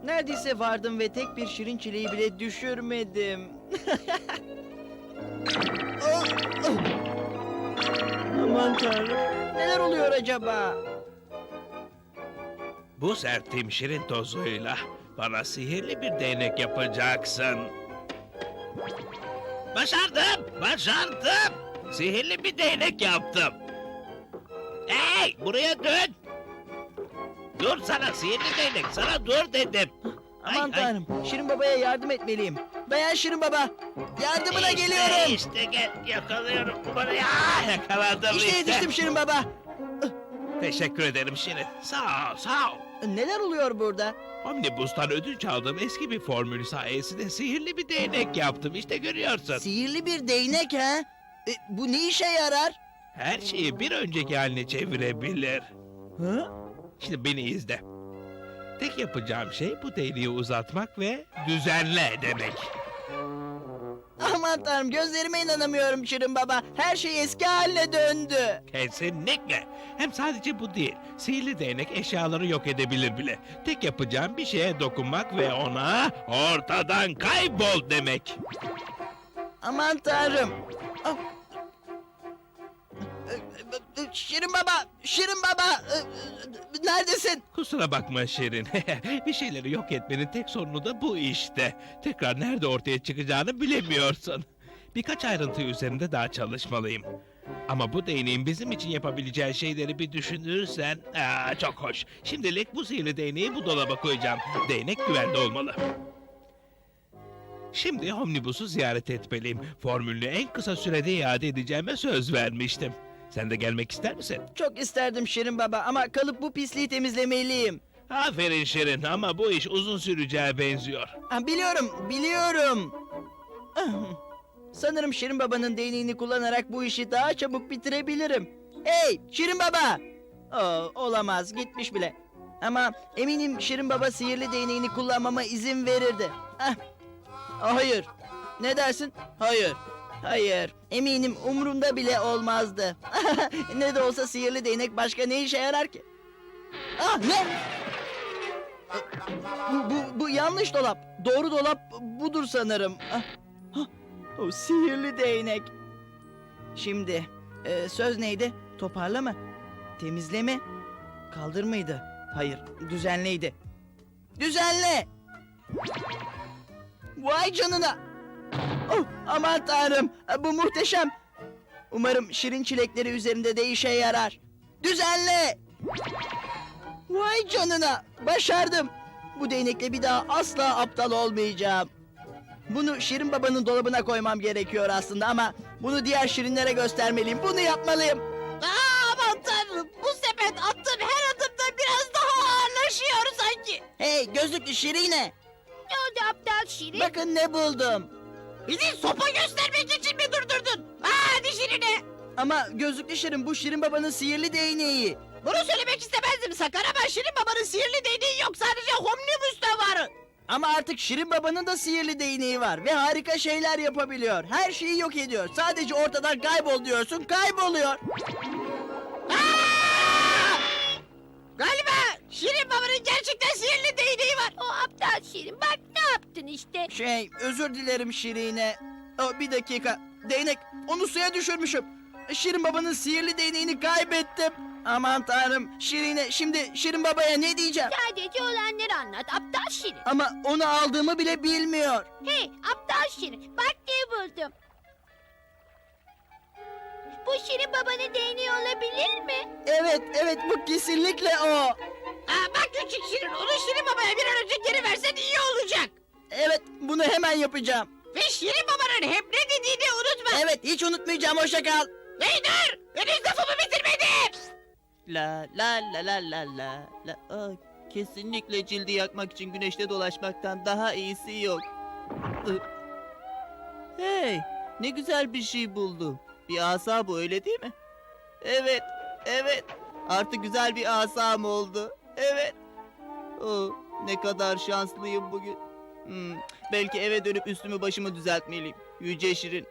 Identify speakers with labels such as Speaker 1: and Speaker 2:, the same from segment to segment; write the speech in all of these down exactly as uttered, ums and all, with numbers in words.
Speaker 1: Neredeyse vardım ve tek bir şirin çileği bile düşürmedim. Oh, oh. Aman tanrım. Neler oluyor acaba?
Speaker 2: Bu serttiğim şirin tozuyla bana sihirli bir değnek yapacaksın. Başardım, başardım. Sihirli bir değnek yaptım. Hey, buraya dön. Dur sana sihirli değnek, sana dur dedim. Ay,
Speaker 1: Aman
Speaker 2: ay.
Speaker 1: tanrım. Şirin babaya yardım etmeliyim. Dayan Şirin baba. Yardımına
Speaker 2: İşte,
Speaker 1: geliyorum.
Speaker 2: İşte gel, yakalıyorum buraya. Ah, yakaladım
Speaker 1: İşte
Speaker 2: işte.
Speaker 1: yetiştim Şirin baba.
Speaker 2: Teşekkür ederim Şirin. Sağ ol, sağ ol.
Speaker 1: Neler oluyor burada?
Speaker 2: Omnibus'tan ödünç aldığım eski bir formül sayesinde sihirli bir değnek yaptım. İşte görüyorsun.
Speaker 1: Sihirli bir değnek ha? E, bu ne işe yarar?
Speaker 2: Her şeyi bir önceki haline çevirebilir.
Speaker 1: Hı?
Speaker 2: Şimdi beni izle. Tek yapacağım şey bu değneği uzatmak ve düzenle demek.
Speaker 1: Aman tanrım, gözlerime inanamıyorum Şirin baba. Her şey eski haline döndü.
Speaker 2: Kesinlikle. Hem sadece bu değil. Sihirli değnek eşyaları yok edebilir bile. Tek yapacağım bir şeye dokunmak ve ona ortadan kaybol demek.
Speaker 1: Aman tanrım. Ah. Şirin baba, Şirin baba. Neredesin?
Speaker 2: Kusura bakma Şirin. Bir şeyleri yok etmenin tek sorunu da bu işte. Tekrar nerede ortaya çıkacağını bilemiyorsun. Birkaç ayrıntı üzerinde daha çalışmalıyım. Ama bu değneğin bizim için yapabileceği şeyleri bir düşünürsen... Aa, çok hoş. Şimdilik bu sihirli değneği bu dolaba koyacağım. Değnek güvende olmalı. Şimdi Omnibus'u ziyaret etmeliyim. Formülünü en kısa sürede iade edeceğime söz vermiştim. Sen de gelmek ister misin?
Speaker 1: Çok isterdim Şirin baba ama kalıp bu pisliği temizlemeliyim.
Speaker 2: Aferin Şirin ama bu iş uzun süreceğe benziyor.
Speaker 1: Ha, biliyorum, biliyorum. Ah, sanırım Şirin babanın değneğini kullanarak bu işi daha çabuk bitirebilirim. Hey Şirin baba! Oo, olamaz, gitmiş bile. Ama eminim Şirin baba sihirli değneğini kullanmama izin verirdi. Ah, hayır. Ne dersin? Hayır. Hayır. Eminim umrunda bile olmazdı. Ne de olsa sihirli değnek başka ne işe yarar ki? Ah ne? Bu, bu, bu yanlış dolap. Doğru dolap budur sanırım. Ah, ah, o sihirli değnek. Şimdi e, söz neydi? Toparla mı? Temizle mi? Kaldır mıydı? Hayır, düzenleydi. Düzenle! Vay canına! Oh, aman tanrım, bu muhteşem. Umarım şirin çilekleri üzerinde de işe yarar. Düzenle! Vay canına, başardım. Bu değnekle bir daha asla aptal olmayacağım. Bunu Şirin babanın dolabına koymam gerekiyor aslında ama bunu diğer şirinlere göstermeliyim. Bunu yapmalıyım.
Speaker 3: Aa, aman tanrım, bu sepet attığım her adımda biraz daha ağırlaşıyor sanki.
Speaker 1: Hey gözlüklü şirine,
Speaker 3: Ne oldu aptal Şirin?
Speaker 1: bakın ne buldum.
Speaker 3: Bizi sopa göstermek için mi durdurdun? Hadi Şirin'e.
Speaker 1: Ama gözlüklü şirin, bu Şirin babanın sihirli değneği.
Speaker 3: Bunu söylemek istemezdim Sakar ama Şirin babanın sihirli değneği yok, sadece Omnibus'ta var.
Speaker 1: Ama artık Şirin babanın da sihirli değneği var ve harika şeyler yapabiliyor. Her şeyi yok ediyor. Sadece ortadan kaybol diyorsun, kayboluyor.
Speaker 3: Aa! Galiba Şirin babanın gerçekten sihirli değneği var. O aptal Şirin, bak ne yaptın işte.
Speaker 1: Şey, özür dilerim Şirine. Oh, bir dakika. Değnek, onu suya düşürmüşüm. Şirin babanın sihirli değneğini kaybettim. Aman tanrım. Şirine, şimdi Şirin babaya ne diyeceğim?
Speaker 3: Sadece olanları anlat aptal Şirin.
Speaker 1: Ama onu aldığımı bile bilmiyor.
Speaker 3: Hey aptal Şirin, bak ne buldum. Bu Şirin babanın değneği olabilir mi?
Speaker 1: Evet, evet, bu kesinlikle o.
Speaker 3: Aa, bak küçük Şirin, onu Şirin babaya bir an önce geri versen iyi olacak.
Speaker 1: Evet, bunu hemen yapacağım.
Speaker 3: Ve Şirin babanın hep ne dediğini unutma.
Speaker 1: Evet, hiç unutmayacağım, hoşça kal.
Speaker 3: Hey dur, henüz lafımı bitirmedim.
Speaker 4: La la la la la la la. Aa, kesinlikle cildi yakmak için güneşte dolaşmaktan daha iyisi yok. Ih. Hey, ne güzel bir şey buldum. Bir asa bu, öyle değil mi? Evet, evet. Artık güzel bir asam oldu. Evet. Oh, ne kadar şanslıyım bugün. Hmm, belki eve dönüp üstümü başımı düzeltmeliyim. Yüce Şirin.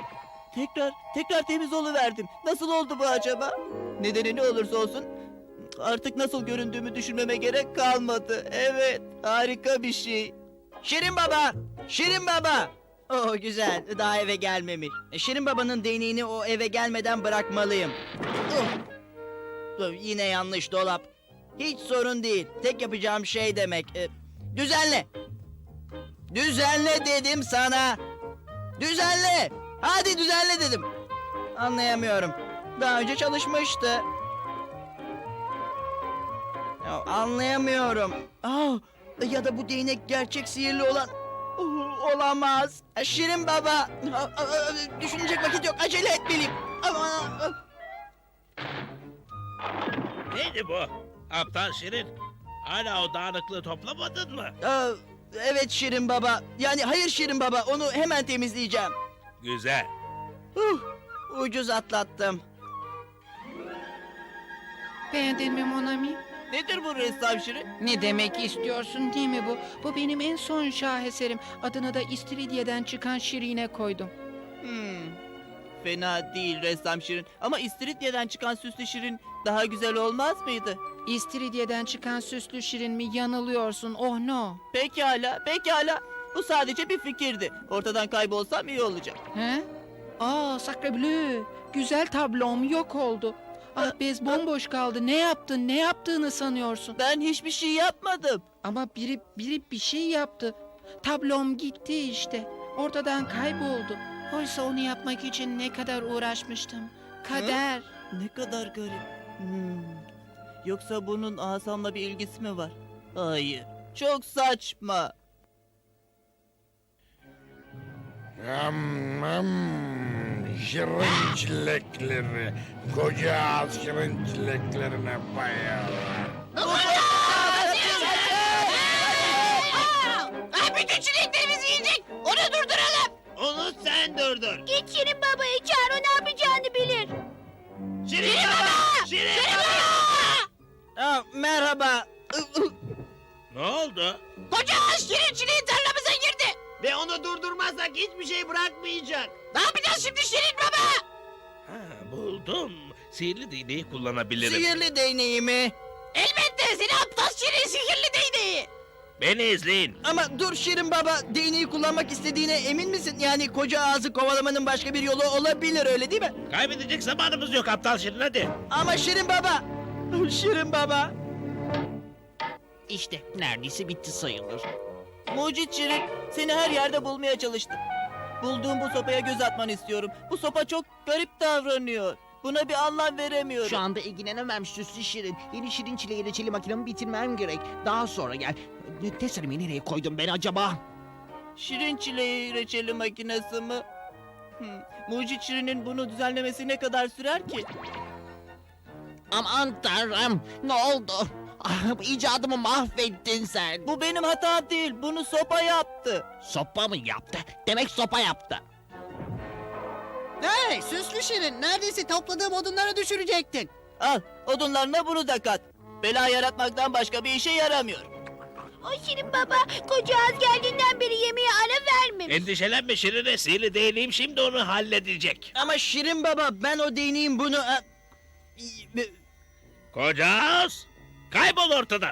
Speaker 4: Tekrar, tekrar temiz oluverdim. Nasıl oldu bu acaba? Nedeni ne olursa olsun Artık nasıl göründüğümü düşünmeme gerek kalmadı. Evet, harika bir şey.
Speaker 1: Şirin baba! Şirin baba! Oh güzel, daha eve gelmemiş. E, Şirin babanın değneğini o eve gelmeden bırakmalıyım. Oh. Dur, yine yanlış dolap. Hiç sorun değil. Tek yapacağım şey demek. e, düzenle. Düzenle dedim sana. Düzenle. Hadi düzenle dedim. Anlayamıyorum. Daha önce çalışmıştı. Ya, anlayamıyorum. Aa, ya da bu değnek gerçek sihirli olan... Oh, olamaz. Şirin baba. Aa, aa, düşünecek vakit yok. Acele etmeliyim. Ama...
Speaker 2: Neydi bu? Aptal Şirin. Hala o dağınıklığı toplamadın mı?
Speaker 1: Aa, evet Şirin baba. Yani hayır Şirin baba. Onu hemen temizleyeceğim.
Speaker 2: Güzel.
Speaker 1: Huh, ucuz atlattım.
Speaker 5: Beğendin mi Monami?
Speaker 4: Nedir bu ressam Şirin?
Speaker 5: Ne demek istiyorsun değil mi bu? Bu benim en son şaheserim. Adını da İstiridye'den çıkan Şirin'e koydum.
Speaker 4: Hmm. Fena değil ressam Şirin. Ama İstiridye'den çıkan süslü Şirin daha güzel olmaz mıydı?
Speaker 5: İstiridye'den çıkan süslü Şirin mi? Yanılıyorsun. Oh no.
Speaker 4: Pekala, pekala. Bu sadece bir fikirdi. Ortadan kaybolsam iyi olacak.
Speaker 5: He? Aa, sacre bleu. Güzel tablom yok oldu. Ah bez bomboş kaldı. Ne yaptın? Ne yaptığını sanıyorsun?
Speaker 4: Ben hiçbir şey yapmadım.
Speaker 5: Ama biri biri bir şey yaptı. Tablom gitti işte. Ortadan kayboldu. Oysa onu yapmak için ne kadar uğraşmıştım. Kader.
Speaker 4: Ne kadar garip. Hmm. Yoksa bunun asamla bir ilgisi mi var? Hayır. Çok saçma.
Speaker 6: Yam yam şirin çilekleri, koca ağız şirin çileklerine bayılır.
Speaker 3: Ay bütün çileklerimizi yiyecek. Onu durduralım.
Speaker 2: Onu sen durdur.
Speaker 3: Git Şirin babayı çağır, o ne yapacağını bilir.
Speaker 2: Şirin baba! Şirin baba!
Speaker 1: Aa, merhaba.
Speaker 2: Ne oldu?
Speaker 3: Koca ağaç Şirin çileği tarlamıza girdi.
Speaker 2: Ve onu durdurmazsak hiçbir şey bırakmayacak.
Speaker 3: Ne yapacağız şimdi Şirin baba?
Speaker 2: Ha, buldum. Sihirli değneği kullanabilirim.
Speaker 1: Sihirli değneğimi.
Speaker 3: Elbette seni aptal Şirin sihirli değneği.
Speaker 2: Beni izleyin.
Speaker 1: Ama dur Şirin baba, değneği kullanmak istediğine emin misin? Yani koca ağzı kovalamanın başka bir yolu olabilir, öyle değil mi?
Speaker 2: Kaybedecek zamanımız yok aptal Şirin, hadi.
Speaker 1: Ama Şirin baba. Şirin baba.
Speaker 7: İşte neredeyse bitti sayılır.
Speaker 4: Mucit Şirin, seni her yerde bulmaya çalıştım. Bulduğum bu sopaya göz atmanı istiyorum. Bu sopa çok garip davranıyor. Buna bir anlam veremiyorum.
Speaker 7: Şu anda ilgilenemem süslü şirin. Yeni şirin çileği reçeli makinemi bitirmem gerek. Daha sonra gel. Teselimi nereye koydum ben acaba?
Speaker 4: Şirin çileği reçeli makinesi mi? Hmm. Mucit Şirin'in bunu düzenlemesi ne kadar sürer ki?
Speaker 7: Aman tanrım, ne oldu? Ah, icadımı mahvettin sen.
Speaker 4: Bu benim hatam değil. Bunu sopa yaptı.
Speaker 7: Sopa mı yaptı? Demek sopa yaptı.
Speaker 8: Hey süslü şirin, neredeyse topladığım odunları düşürecektin.
Speaker 4: Al, odunlarına bunu da kat. Bela yaratmaktan başka bir işe yaramıyor.
Speaker 3: O Şirin baba koca ağaç geldiğinden beri yemeğe ara vermemiş.
Speaker 2: Endişelenme Şirin'e, sihirli değneğim şimdi onu halledecek.
Speaker 1: Ama Şirin baba, ben o değneğin bunu... e, e,
Speaker 2: Koca ağız, kaybol ortadan.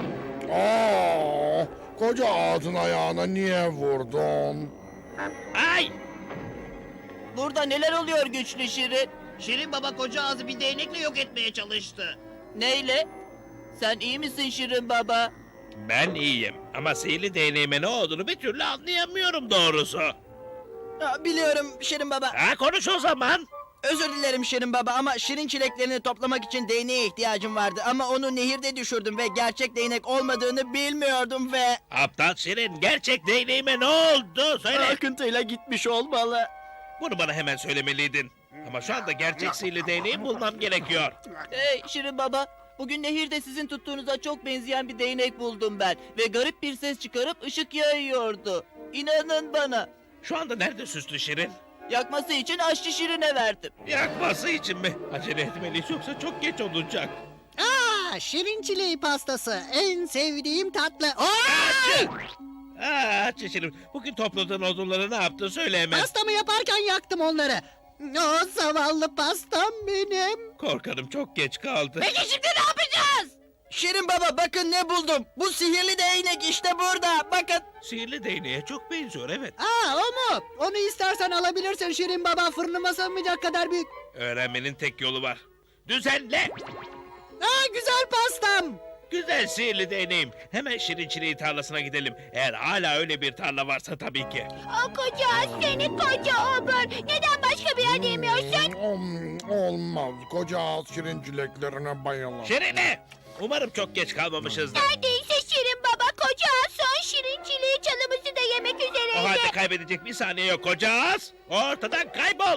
Speaker 6: Aa, koca ağzın ayağına niye vurdun?
Speaker 2: Ay!
Speaker 4: Burada neler oluyor güçlü Şirin?
Speaker 7: Şirin baba koca ağzı bir değnekle yok etmeye çalıştı.
Speaker 4: Neyle? Sen iyi misin Şirin baba?
Speaker 2: Ben iyiyim ama sihirli değneğime ne olduğunu bir türlü anlayamıyorum doğrusu.
Speaker 1: Aa, biliyorum Şirin baba.
Speaker 2: Ha, konuş o zaman.
Speaker 1: Özür dilerim Şirin baba ama şirin çileklerini toplamak için değneğe ihtiyacım vardı. Ama onu nehirde düşürdüm ve gerçek değnek olmadığını bilmiyordum ve...
Speaker 2: Aptal Şirin, gerçek değneğime ne oldu? Söyle.
Speaker 1: Akıntıyla gitmiş olmalı.
Speaker 2: Bunu bana hemen söylemeliydin. Ama şu anda gerçek sihirli değneği bulmam gerekiyor.
Speaker 4: Hey Şirin baba, bugün nehirde sizin tuttuğunuza çok benzeyen bir değnek buldum ben. Ve garip bir ses çıkarıp ışık yayıyordu. İnanın bana.
Speaker 2: Şu anda nerede süslü Şirin?
Speaker 4: Yakması için aşçı Şirin'e verdim.
Speaker 2: Yakması için mi? Acele etmeliyiz yoksa çok geç olacak.
Speaker 8: Aa, şirin çileği pastası, en sevdiğim tatlı. Aa!
Speaker 2: Açı! Aa, Şirin, bugün topladığın odunları ne yaptın söyle hemen.
Speaker 8: Pastamı yaparken yaktım onları. O zavallı pastam benim.
Speaker 2: Korkarım çok geç kaldı.
Speaker 3: Peki şimdi ne yapacağız?
Speaker 1: Şirin Baba bakın ne buldum. Bu sihirli değnek işte burada. Bakın.
Speaker 2: Sihirli değneğe çok benziyor, evet.
Speaker 8: Aa o mu? Onu istersen alabilirsin Şirin Baba, fırınıma sığmayacak kadar büyük.
Speaker 2: Öğrenmenin tek yolu var. Düzenle!
Speaker 8: Aa güzel pastam.
Speaker 2: Güzel sihirli değneğim. Hemen Şirin Çileği tarlasına gidelim. Eğer hala öyle bir tarla varsa tabii ki.
Speaker 3: O koca seni koca obur. Neden başka bir yer yemiyorsun?
Speaker 6: Hmm, olmaz. Koca ağız şirin çileklerine bayılır.
Speaker 2: Şirine! Umarım çok geç kalmamışızdır.
Speaker 3: Neredeyse Şirin Baba koca son şirin çileği çalımızı da yemek
Speaker 2: O
Speaker 3: üzereydi.
Speaker 2: halde kaybedecek bir saniye yok koca ağız. Ortadan kaybol.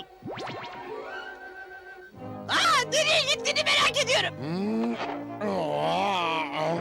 Speaker 3: Aa, nereye gittiğini merak ediyorum.
Speaker 6: Hmm. Aa,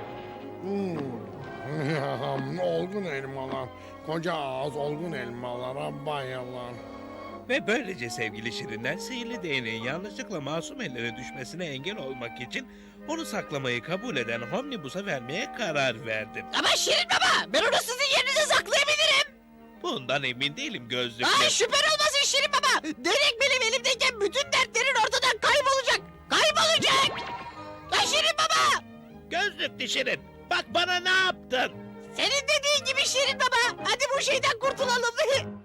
Speaker 6: hmm. Olgun elmalar. Koca ağız olgun elmalara bayılır.
Speaker 2: Ve böylece sevgili Şirinler sihirli değneğin yanlışlıkla masum ellere düşmesine engel olmak için onu saklamayı kabul eden Homnibus'a vermeye karar verdim.
Speaker 3: Ama Şirin Baba ben onu sizin yerinize saklayabilirim.
Speaker 2: Bundan emin değilim gözlüklü.
Speaker 3: Ay şüphen olmasın Şirin Baba. Derek benim elimdeyken bütün dertlerin ortadan kaybolacak. Kaybolacak. Ay Şirin Baba.
Speaker 2: Gözlüklü Şirin, bak bana ne yaptın?
Speaker 3: Senin dediğin gibi Şirin Baba. Hadi bu şeyden kurtulalım.